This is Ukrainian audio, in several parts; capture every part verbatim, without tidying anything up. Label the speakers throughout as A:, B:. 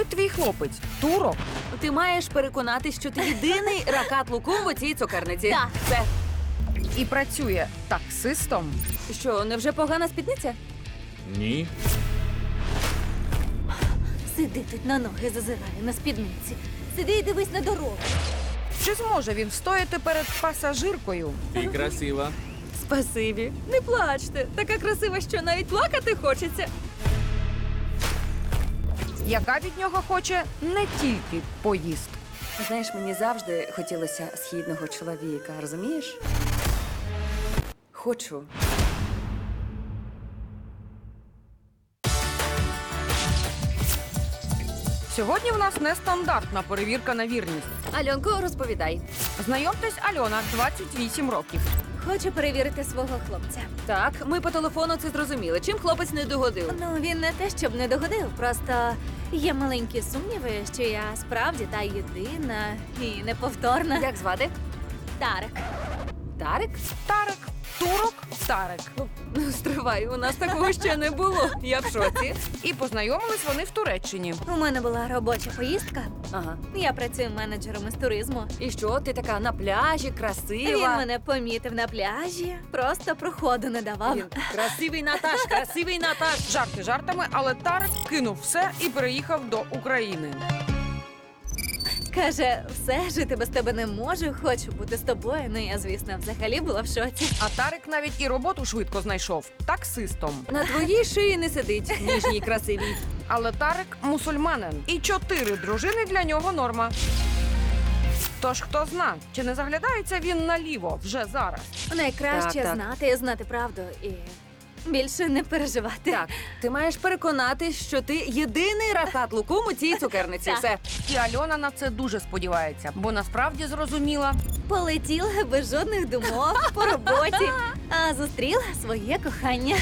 A: робить твій хлопець? Турок?
B: Ти маєш переконатись, що ти єдиний ракат лукум в цій цукерниці.
C: Так.
B: Все.
A: І працює таксистом?
B: Що, невже погана спідниця?
D: Ні.
C: Сиди тут на ноги, зазирає на спідниці. Сиди і дивись на дорогу.
A: Чи зможе він встояти перед пасажиркою?
D: Ти красива.
B: Спасибі. Не плачте. Така красива, що навіть плакати хочеться.
A: Яка від нього хоче не тільки поїздку.
B: Знаєш, мені завжди хотілося східного чоловіка, розумієш? Хочу.
A: Сьогодні в нас нестандартна перевірка на вірність.
B: Альонко, розповідай.
A: Знайомтесь, Альона, двадцять вісім років.
C: Хочу перевірити свого хлопця.
B: Так, ми по телефону це зрозуміли. Чим хлопець не догодив?
C: Ну, він не те, щоб не догодив, просто є маленькі сумніви, що я справді та єдина і неповторна.
B: Як звати?
C: Тарик.
B: Тарик?
A: Тарик, турок, Тарик.
B: Ну, стривай, у нас такого ще не було. Я в шоці.
A: І познайомились вони в Туреччині.
C: У мене була робоча поїздка.
B: Ага.
C: Я працюю менеджером із туризму.
B: І що, ти така на пляжі,
C: Він
B: красива?
C: мене помітив на пляжі, просто проходу не давав.
B: Він красивий Наташ, красивий Наташ.
A: Жарти жартами, але Тарик кинув все і переїхав до України.
C: Каже, все, жити без тебе не можу, хочу бути з тобою. Ну, я, звісно, взагалі була в шоці.
A: А Тарик навіть і роботу швидко знайшов – таксистом.
B: На твоїй шиї не сидить, ніжній красивій.
A: Але Тарик – мусульманин. І чотири дружини для нього норма. Тож хто зна, чи не заглядається він наліво вже зараз?
C: Найкраще
B: Так, так.
C: знати, знати правду і більше не переживати.
B: Так, ти маєш переконатись, що ти єдиний ракат лукум у цій цукерниці.
C: Так.
B: Все.
A: І Альона на це дуже сподівається, бо насправді зрозуміла –
C: Полетіла без жодних думок по роботі, а зустріла своє кохання.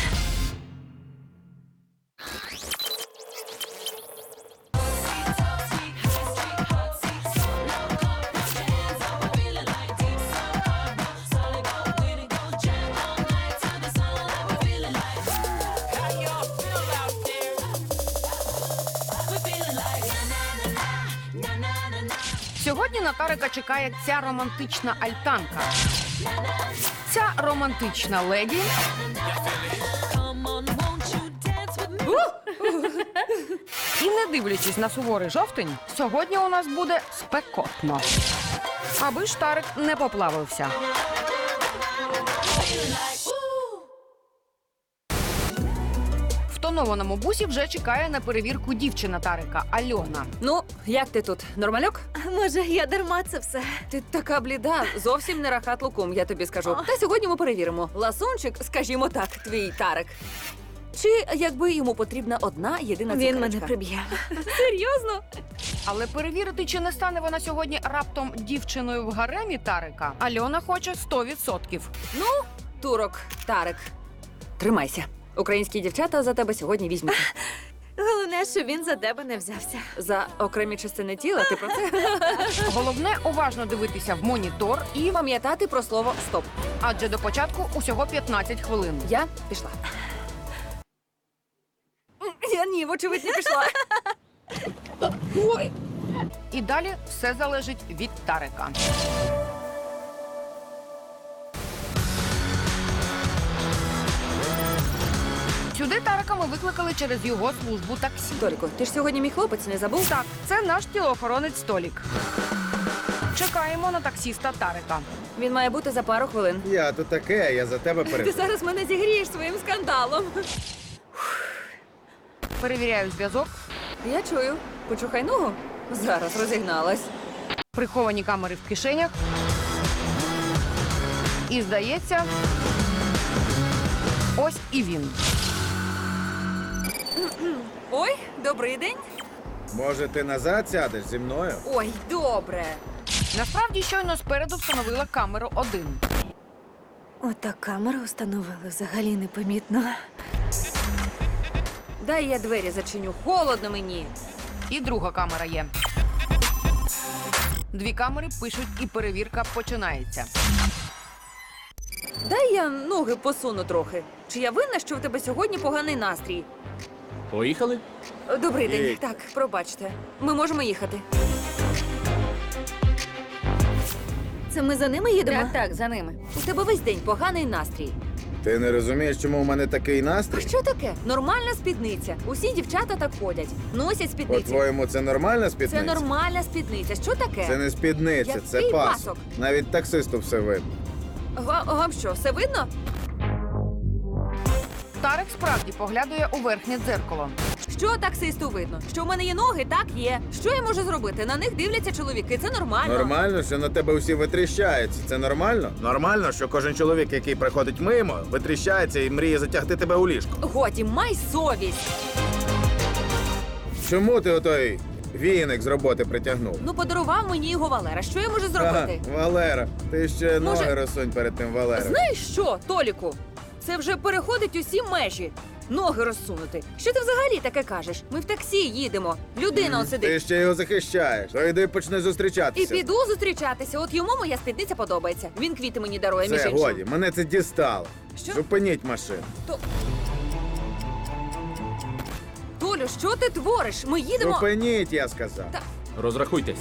A: Сьогодні на Тарика чекає ця романтична альтанка. Ця романтична леді і, не дивлячись на суворий жовтень, сьогодні у нас буде спекотно. Аби ж Тарик не поплавився. В тонованому бусі вже чекає на перевірку дівчина Тарика – Альона.
B: Ну, як ти тут? Нормальок?
C: А може, я дарма це все?
B: Ти така бліда, зовсім не рахат лукум, я тобі скажу. Та сьогодні ми перевіримо. Ласунчик, скажімо так, твій Тарик. Чи якби йому потрібна одна єдина
C: Він
B: цукерочка?
C: мене приб'є.
B: Серйозно?
A: Але перевірити, чи не стане вона сьогодні раптом дівчиною в гаремі Тарика, Альона хоче сто відсотків.
B: Ну, турок, Тарик, тримайся. Українські дівчата за тебе сьогодні візьмуть.
C: Головне, що він за тебе не взявся.
B: За окремі частини тіла, ти про це?
A: Головне уважно дивитися в монітор і
B: Пам'ятати про слово «стоп».
A: адже до початку усього п'ятнадцять хвилин.
B: Я пішла. Я ні, вочевидь, не пішла. Ой.
A: І далі все залежить від Тарика. Сюди Тарика ми викликали через його службу таксі.
B: Толіко, ти ж сьогодні мій хлопець, не забув?
A: Так, це наш тілоохоронець Толік. Чекаємо на таксіста Тарика.
B: Він має бути за пару хвилин.
E: Я тут таке, а я за тебе
B: Ти
E: перед.
B: зараз мене зігрієш своїм скандалом.
A: Перевіряю зв'язок.
B: Я чую. Почухай ногу. Зараз розігналась.
A: Приховані камери в кишенях. І, здається, ось і він.
B: Ой, добрий день.
E: Може, ти назад сядеш зі мною?
B: Ой, добре.
A: Насправді, щойно спереду встановила камеру один.
C: Ота камеру встановили взагалі непомітно.
B: Дай я двері зачиню. Холодно мені.
A: І друга камера є. Дві камери пишуть, і перевірка починається.
B: Дай я ноги посуну трохи. Чи я винна, що в тебе сьогодні поганий настрій?
D: Поїхали?
B: Добрий день.
E: Їдь.
B: Так, пробачте. Ми можемо їхати.
C: Це ми за ними їдемо?
B: Так, так, за ними. У тебе весь день поганий настрій.
E: Ти не розумієш, чому у мене такий
B: А
E: настрій?
B: що таке? Нормальна спідниця. Усі дівчата так ходять. Носять спідниці.
E: По-твоєму, це нормальна
B: Це
E: спідниця?
B: нормальна спідниця. Що таке?
E: Це не спідниця,
B: Який
E: це пасок.
B: пасок?
E: Навіть таксисту все видно.
B: Га- Вам що, все видно?
A: Тарик справді поглядує у верхнє дзеркало.
B: Що таксисту видно? Що в мене є ноги? Так, є. Що я можу зробити? На них дивляться чоловіки. Це нормально.
E: Нормально, що на тебе усі витріщаються. Це нормально? Нормально, що кожен чоловік, який приходить мимо, витріщається і мріє затягти тебе у ліжко.
B: Годі, май совість.
E: Чому ти отой віник з роботи притягнув?
B: Ну, подарував мені його Валера. Що я можу зробити?
E: Ага, Валера, ти ще
B: Може-
E: ноги розсунь перед тим Валером.
B: Знаєш що, Толіку? Це вже переходить усі межі. Ноги розсунути. Що ти взагалі таке кажеш? Ми в таксі їдемо. Людина он
E: Ти
B: сидить.
E: ще його захищаєш. То йди почни
B: І
E: зустрічатися.
B: піду зустрічатися. От йому моя спідниця подобається. Він квіти мені дарує, між
E: Все,
B: іншим.
E: годі, мене це дістало.
B: Що?
E: Зупиніть машину.
B: То... Толю, що ти твориш? Ми їдемо.
E: Зупиніть, я сказав.
B: Та-
D: Розрахуйтесь.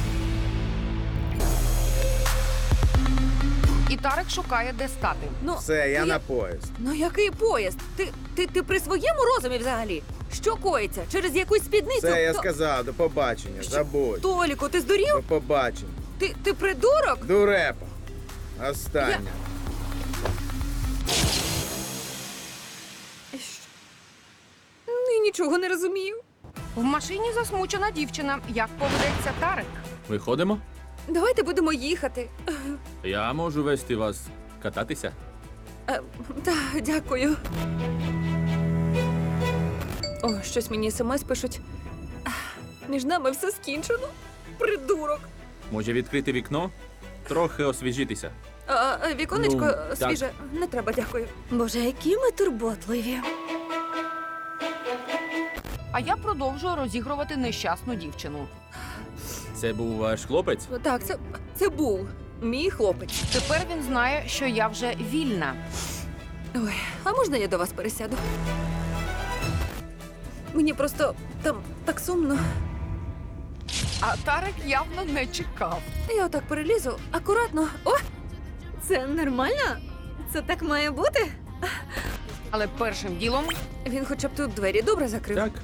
A: І Тарик шукає, де стати.
B: Ну,
E: Все, я
B: ну,
E: на поїзд.
B: Ну який поїзд? Ти, ти, ти при своєму розумі взагалі? Що коїться? Через якусь спідницю?
E: Все, я
B: То-
E: сказав, до побачення.
B: Що?
E: Забудь.
B: Толіку, ти здурів?
E: До побачення.
B: Ти, ти придурок?
E: Дурепа. Остання.
B: Ну, нічого не розумію.
A: В машині засмучена дівчина. Як поведеться Тарик?
D: Виходимо?
B: Давайте будемо їхати.
D: Я можу вести вас кататися.
B: Е, Так, дякую. О, щось мені смс пишуть. Ах, Між нами все скінчено. Придурок.
D: Може відкрити вікно? Трохи освіжитися.
B: А, е, віконечко
D: Ну,
B: е,
D: так.
B: свіже. Не треба, дякую.
C: Боже, які ми турботливі.
A: А я продовжую розігрувати нещасну дівчину.
D: Це був ваш хлопець?
B: Так, це, це був мій хлопець.
A: Тепер він знає, що я вже вільна.
B: Ой, а можна я до вас пересяду? Мені просто там так сумно.
A: А Тарик явно не чекав.
B: Я отак перелізу, акуратно. О!
C: Це нормально? Це так має бути?
A: Але першим ділом
B: Він хоча б тут двері добре закрив.
D: Так.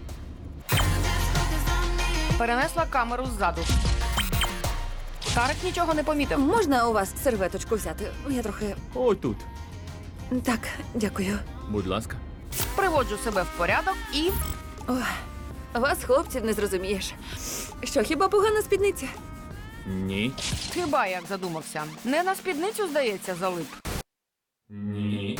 A: перенесла камеру ззаду. Тарик нічого не помітив.
B: Можна у вас серветочку взяти? Я трохи.
D: Ой тут.
B: Так, дякую.
D: Будь ласка.
A: Приводжу себе в порядок і
B: Ой, вас, хлопців, не зрозумієш. Що, хіба погана спідниця?
D: Ні.
A: хіба як задумався. Не на спідницю, здається, залип.
D: Ні.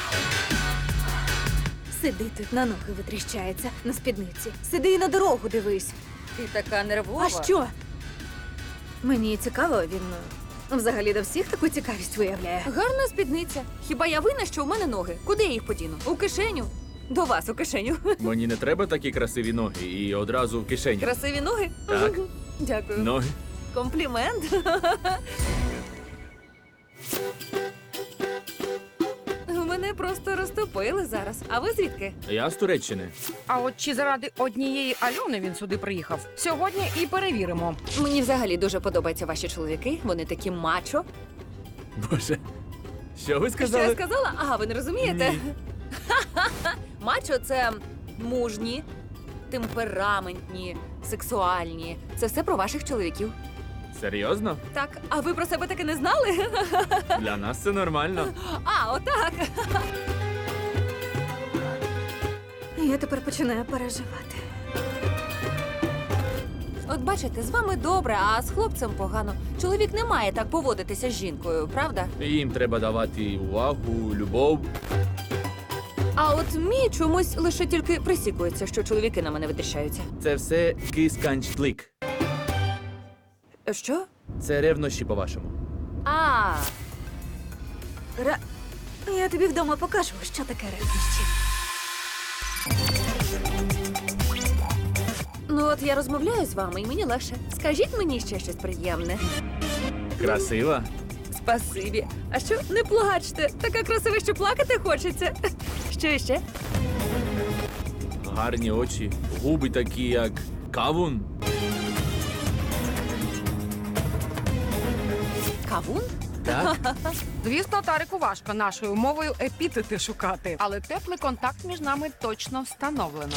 C: Сиди тут, на ноги витріщається, на спідниці. Сиди і на дорогу дивись.
B: Ти така нервова.
C: А що? Мені цікаво, він е, взагалі до всіх таку цікавість виявляє.
B: Гарна спідниця. Хіба я винна, що у мене ноги? Куди я їх подіну? У кишеню? До вас у кишеню.
D: Мені не треба такі красиві ноги і одразу в кишені.
B: Красиві ноги?
D: Так.
B: Дякую.
D: Ноги.
B: Комплімент. Мене просто розтопили зараз. А ви звідки?
D: Я з Туреччини.
A: А от чи заради однієї Альони він сюди приїхав? Сьогодні і перевіримо.
B: Мені взагалі дуже подобаються ваші чоловіки. Вони такі мачо.
D: Боже. Що ви
B: Що
D: сказали?
B: я сказала? Ага, ви не розумієте?
D: Ні.
B: Мачо це мужні, темпераментні, сексуальні. Це все про ваших чоловіків.
D: Серйозно?
B: Так, а ви про себе таки не знали?
D: Для нас це нормально.
B: А, отак.
C: Я тепер починаю переживати.
B: От бачите, з вами добре, а з хлопцем погано. Чоловік не має так поводитися з жінкою, правда?
D: Їм треба давати увагу, любов.
B: А от мій чомусь лише тільки присікується, що чоловіки на мене витріщаються.
D: Це все кисканчлик.
B: Що?
D: Це ревнощі, по-вашому.
B: А,
C: Ра... Я тобі вдома покажу, що таке ревнощі.
B: ну от я розмовляю з вами, і мені легше. Скажіть мені ще щось приємне.
D: Красива?
B: Спасибі. А що, не плачте? Така красива, що плакати хочеться. Що іще?
D: гарні очі, губи такі, як кавун.
B: Кавун?
D: Так?
A: Звісно, Тарику важко нашою мовою епітети шукати, але теплий контакт між нами точно встановлено.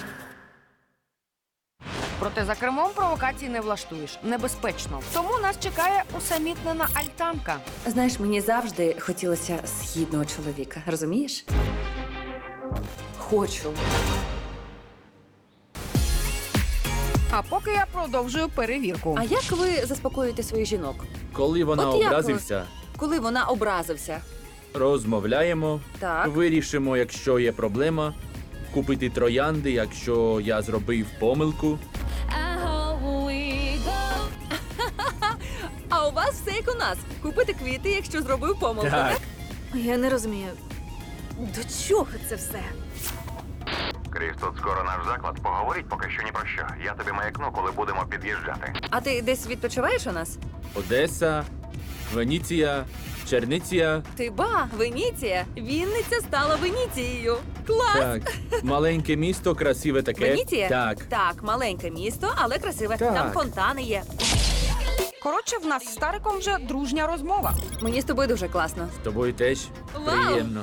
A: Проте за кермом провокацій не влаштуєш. Небезпечно. Тому нас чекає усамітнена альтанка.
B: Знаєш, мені завжди хотілося східного чоловіка, розумієш? Хочу.
A: А поки я продовжую перевірку.
B: А як ви заспокоюєте своїх жінок?
D: Коли вона
B: От як
D: образився,
B: Коли вона образився?
D: розмовляємо,
B: Так.
D: вирішимо, якщо є проблема, купити троянди, якщо я зробив помилку.
B: А у вас все як у нас. Купити квіти, якщо зробив помилку, так?
D: Так.
C: Я не розумію, до чого це все?
F: Кріс, тут скоро наш заклад. Поговоріть поки що ні про що. Я тобі маякну, коли будемо під'їжджати.
B: А ти десь відпочиваєш у нас?
D: Одеса, Венеція, Черниція.
B: Ти ба, Венеція. Вінниця стала Венецією. Клас!
D: Так, маленьке місто, красиве таке.
B: Венеція?
D: Так.
B: Так, маленьке місто, але красиве.
D: Так.
B: Там фонтани є.
A: Коротше, в нас з Тариком вже дружня розмова.
B: Мені з тобою дуже класно.
D: З тобою теж
B: Вау!
D: приємно.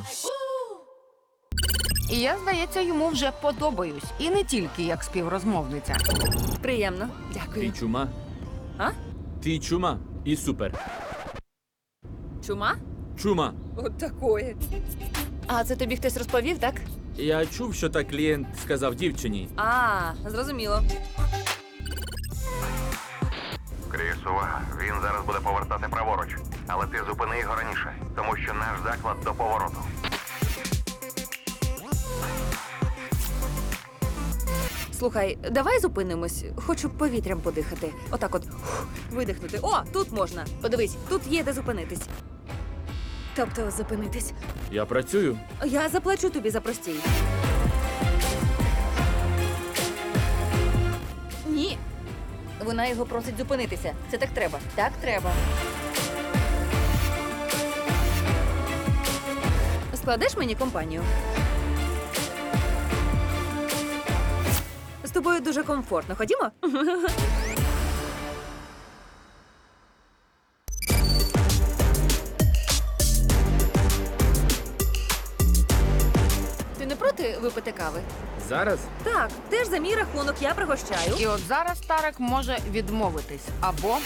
A: І я, здається, йому вже подобаюсь. І не тільки як співрозмовниця.
B: Приємно.
D: Ти
B: Дякую.
D: чума?
B: А?
D: Ти чума і супер.
B: Чума?
D: Чума.
B: От такої. А це тобі хтось розповів, так?
D: Я чув, що так клієнт сказав дівчині.
B: А, зрозуміло.
F: Кріс, увага. Він зараз буде повертати праворуч. Але ти зупини його раніше, тому що наш заклад до повороту.
B: Слухай, давай зупинимось. Хочу повітрям подихати. Отак от фух, видихнути. О, тут можна. Подивись, тут є де зупинитись.
C: Тобто зупинитись.
D: Я працюю.
B: Я заплачу тобі за простій. Ні. Вона його просить зупинитися. Це так треба. Так треба. Складеш мені компанію? З тобою дуже комфортно. Ходімо? Ти не проти випити кави?
D: Зараз?
B: Так, теж за мій рахунок я пригощаю.
A: І от зараз Тарик може відмовитись. Або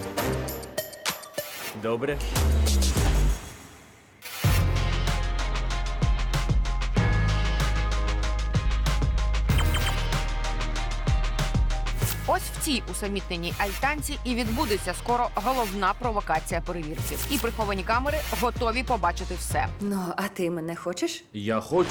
D: Добре.
A: ось в цій усамітненій альтанці і відбудеться скоро головна провокація перевірки. І приховані камери готові побачити все.
B: Ну, а ти мене хочеш?
D: Я хочу.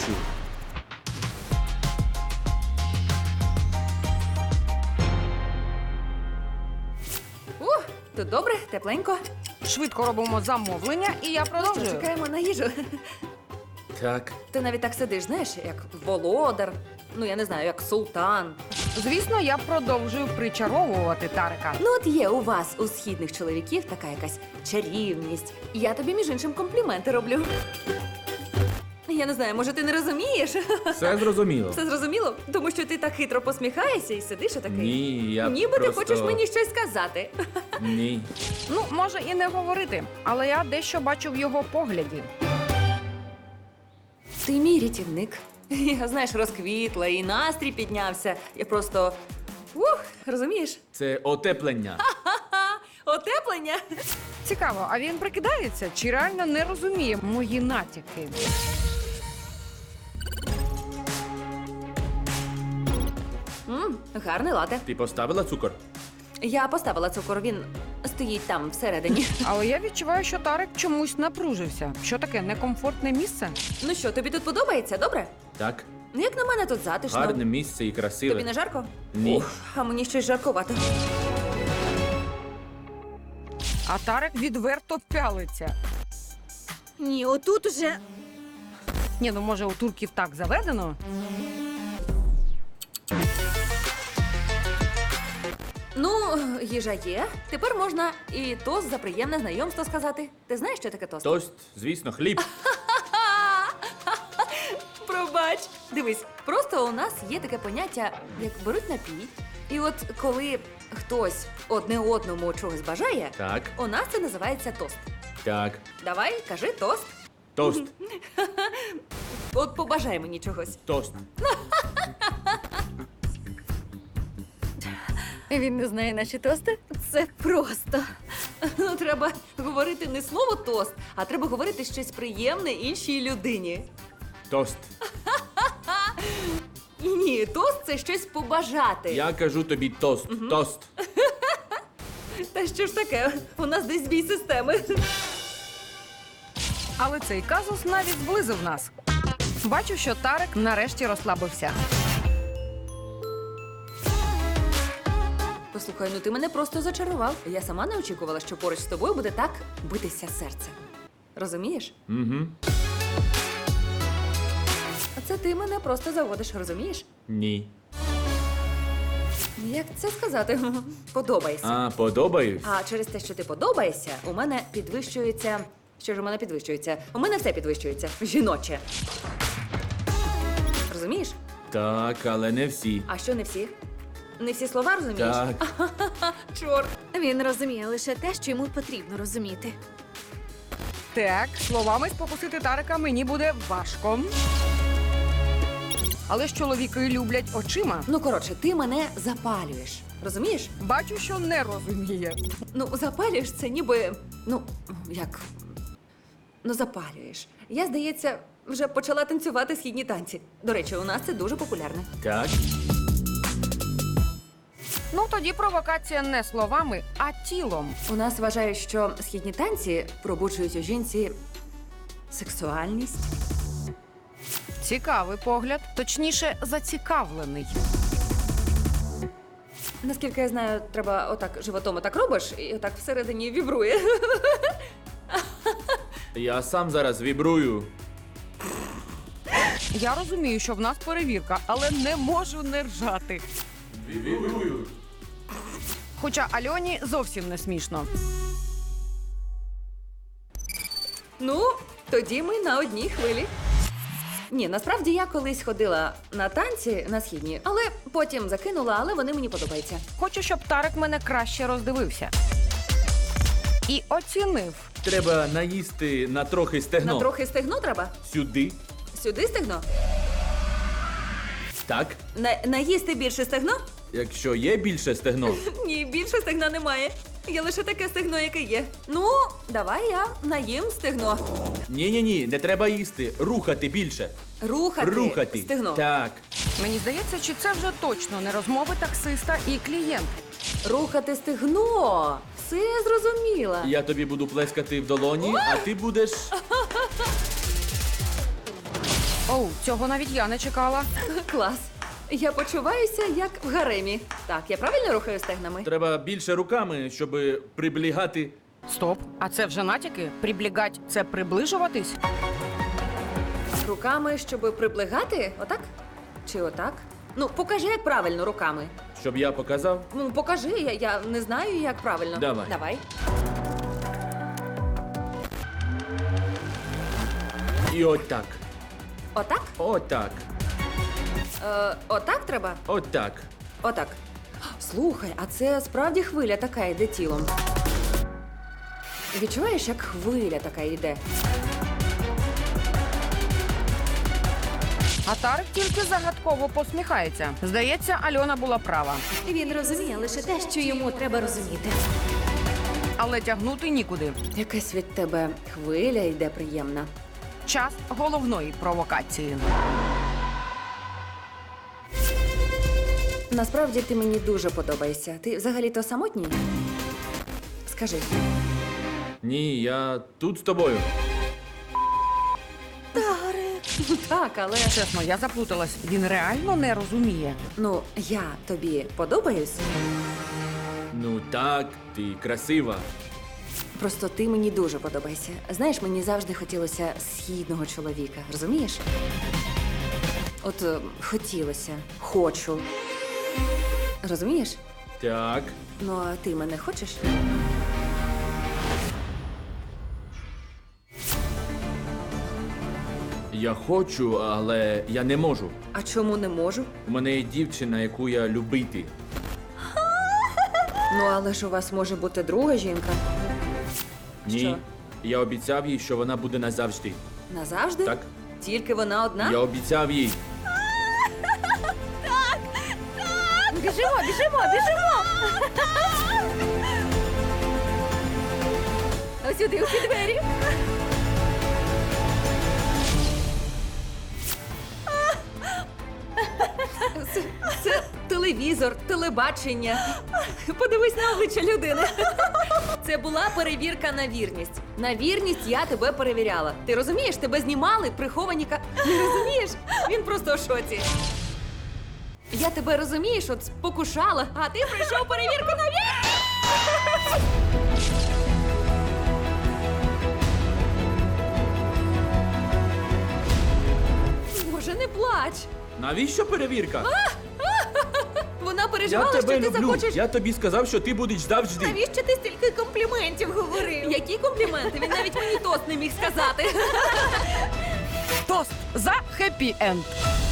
B: Ух, тут добре, тепленько.
A: Швидко робимо замовлення, і я продовжую.
B: Чекаємо на їжу.
D: Так.
B: Ти навіть так сидиш, знаєш, як володар. Ну, я не знаю, як султан.
A: Звісно, я продовжую причаровувати Тарика.
B: Ну, от є у вас, у східних чоловіків, така якась чарівність. Я тобі, між іншим, компліменти роблю. Я не знаю, може, ти не розумієш?
D: Все зрозуміло.
B: Все зрозуміло? Тому що ти так хитро посміхаєшся і сидиш отакий.
D: Ні, я
B: Ніби
D: просто...
B: ти хочеш мені щось сказати.
D: Ні.
A: Ну, може і не говорити, але я дещо бачу в його погляді.
B: Ти мій рятівник. Я, знаєш, розквітла і настрій піднявся. Я просто. Ух, розумієш?
D: Це отеплення.
B: Ха! Отеплення.
A: Цікаво, а він прикидається чи реально не розуміє мої натяки?
B: Мм, гарний лате.
D: Ти поставила цукор?
B: Я поставила цукор, він стоїть там всередині.
A: Але я відчуваю, що Тарик чомусь напружився. Що таке некомфортне місце?
B: Ну що, тобі тут подобається, добре?
D: Так.
B: Ну, як на мене тут затишно.
D: Гарне місце і красиве.
B: Тобі не жарко?
D: Ні.
B: Ух, а мені щось жаркувато.
A: А Тарик відверто пялиться.
C: Ні, отут уже.
A: Ні, ну може у турків так заведено?
B: Ну, їжа є. Тепер можна і тост за приємне знайомство сказати. Ти знаєш, що таке тост?
D: Тост, звісно, хліб.
B: Пробач. Дивись, просто у нас є таке поняття, як беруть напій. І от коли хтось одне одному чогось бажає,
D: Так,
B: у нас це називається тост.
D: так.
B: Давай, кажи тост.
D: Тост.
B: От побажай мені чогось.
D: Тост.
C: Він не знає наші тости? Це просто.
B: Ну, треба говорити не слово тост, а треба говорити щось приємне іншій людині.
D: Тост.
B: Ні, тост це щось побажати.
D: Я кажу тобі тост. Тост.
B: Та що ж таке? У нас десь збій системи.
A: Але цей казус навіть зблизив нас. Бачу, що Тарик нарешті розслабився.
B: Послухай, ну ти мене просто зачарував. Я сама не очікувала, що поруч з тобою буде так битися серце. Розумієш?
D: Угу.
B: А це ти мене просто заводиш, розумієш?
D: Ні.
B: Як це сказати? Подобаєшся.
D: А, подобаюсь?
B: А через те, що ти подобаєшся, у мене підвищується. Що ж у мене підвищується? У мене все підвищується. Жіноче. Розумієш?
D: Так, але не всі.
B: А що не всі? Не всі слова розумієш?
D: Так.
B: Чорт.
C: Він розуміє лише те, що йому потрібно розуміти.
A: Так, словами спокусити Тарика мені буде важко. Але ж чоловіки люблять очима.
B: Ну, коротше, ти мене запалюєш. Розумієш?
A: Бачу, що не розуміє.
B: Ну, запалюєш це ніби. Ну, як. Ну, запалюєш. Я, здається, вже почала танцювати східні танці. До речі, у нас це дуже популярне.
D: Так.
A: Ну тоді провокація не словами, а тілом.
B: У нас вважають, що східні танці пробуджують у жінці сексуальність.
A: Цікавий погляд, точніше, зацікавлений.
B: Наскільки я знаю, треба отак животом отак робиш, і отак всередині вібрує.
D: Я сам зараз вібрую.
A: Я розумію, що в нас перевірка, але не можу не ржати.
D: Вібрую.
A: Хоча Альоні зовсім не смішно.
B: Ну, тоді ми на одній хвилі. Ні, насправді я колись ходила на танці на східні, але потім закинула, але вони мені подобаються.
A: Хочу, щоб Тарик мене краще роздивився. І оцінив.
D: Треба наїсти на трохи стегно.
B: На трохи стегно треба?
D: Сюди.
B: Сюди стегно?
D: Так.
B: На, наїсти більше стегно?
D: Якщо є більше стегно.
B: Ні, більше стегна немає. Є лише таке стегно, яке є. Ну, давай я наїм стегно.
D: Ні-ні-ні, не треба їсти. Рухати більше.
B: Рухати,
D: Рухати.
B: стегно.
D: Так.
A: Мені здається, чи це вже точно не розмови таксиста і клієнт.
B: Рухати стегно. Все зрозуміла.
D: Я тобі буду плескати в долоні, а ти будеш.
A: Оу, цього навіть я не чекала.
B: Клас. Я почуваюся як в гаремі. Так, я правильно рухаю стегнами?
D: Треба більше руками, щоб приблігати.
A: Стоп, а це вже натяки? Приблігать – це приближуватись?
B: Руками, щоб приблигати? Отак? Чи отак? Ну, покажи, як правильно руками.
D: Щоб я показав.
B: Ну, покажи, я, я не знаю, як правильно.
D: Давай.
B: Давай.
D: І отак.
B: Отак?
D: Отак.
B: Е, отак треба?
D: Отак.
B: Отак. Слухай, а це справді хвиля така йде тілом. Відчуваєш, як хвиля така йде?
A: А Тарик тільки загадково посміхається. Здається, Альона була права.
C: Він розуміє лише те, що йому треба розуміти.
A: Але тягнути нікуди.
B: Якась від тебе хвиля йде приємна.
A: Час головної провокації.
B: Насправді ти мені дуже подобаєшся. Ти взагалі-то самотній? Скажи.
D: Ні, я тут з тобою.
B: Так, але
A: Чесно, я заплуталась. Він реально не розуміє.
B: ну я тобі подобаюсь.
D: Ну так, ти красива.
B: Просто ти мені дуже подобаєшся. Знаєш, мені завжди хотілося східного чоловіка, розумієш? От е, хотілося, хочу. Розумієш?
D: Так.
B: Ну, а ти мене хочеш?
D: Я хочу, але я не можу.
B: А чому не можу?
D: У мене є дівчина, яку я любити.
B: Ну, але ж у вас може бути друга жінка.
D: Ні.
B: Що?
D: Я обіцяв їй, що вона буде назавжди.
B: Назавжди?
D: Так?
B: Тільки вона одна?
D: Я обіцяв їй.
C: Біжимо, біжимо, біжимо! Ось сюди, у ці двері.
B: Це, це телевізор, телебачення. Подивись на обличчя людини. Це була перевірка на вірність. На вірність я тебе перевіряла. Ти розумієш, тебе знімали приховані ка... Не розумієш? Він просто в шоці. Я тебе розумієш, от спокушала, а ти прийшов перевірку на вірність. Боже, не плач.
D: Навіщо перевірка?
B: Вона
D: Я
B: переживала,
D: тебе
B: що ти
D: люблю.
B: захочеш.
D: Я тобі сказав, що ти будеш завжди.
C: Навіщо ти стільки компліментів говорив?
B: Які компліменти? Він навіть мені тост не міг сказати.
A: Тост за хеппі енд.